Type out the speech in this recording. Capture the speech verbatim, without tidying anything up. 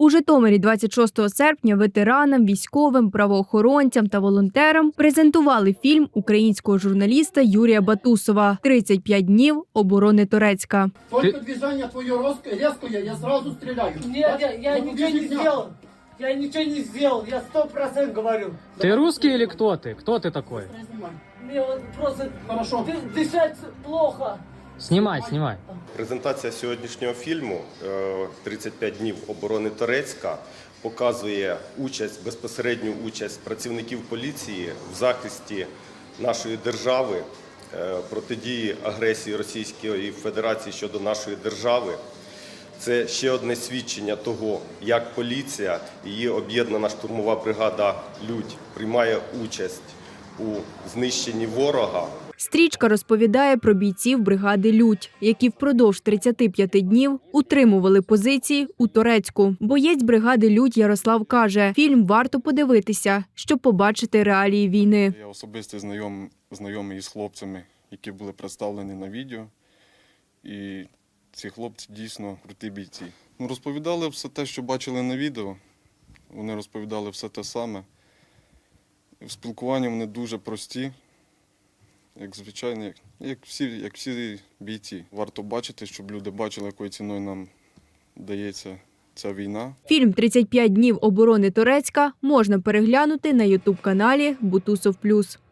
У Житомирі двадцять шостого серпня ветеранам, військовим, правоохоронцям та волонтерам презентували фільм українського журналіста Юрія Батусова «тридцять п'ять днів оборони Торецька». Только движение твое резкое, я сразу стреляю. Нет, я, я ничего не сделал. Я ничего не сделал, я сто процентов говорю. Ты русский или кто ты? Кто ты такой? Мне вот просто Хорошо. ды- дышать плохо. Снимай, снимай. Презентація сьогоднішнього фільму «тридцять п'ять днів оборони Торецька» показує участь, безпосередню участь працівників поліції в захисті нашої держави, протидії агресії Російської Федерації щодо нашої держави. Це ще одне свідчення того, як поліція, її об'єднана штурмова бригада «Людь» приймає участь у знищенні ворога. Стрічка розповідає про бійців бригади «Людь», які впродовж тридцяти п'яти днів утримували позиції у Торецьку. Боєць бригади «Людь» Ярослав каже, фільм варто подивитися, щоб побачити реалії війни. Я особисто знайом, знайомий із хлопцями, які були представлені на відео. І ці хлопці дійсно круті бійці. Ну, розповідали все те, що бачили на відео. Вони розповідали все те саме. В спілкуванні вони дуже прості, як звичайно, як, як, всі, як всі бійці. Варто бачити, щоб люди бачили, якою ціною нам дається ця війна. Фільм «тридцять п'ять днів оборони Торецька» можна переглянути на ютуб-каналі Бутусов Плюс.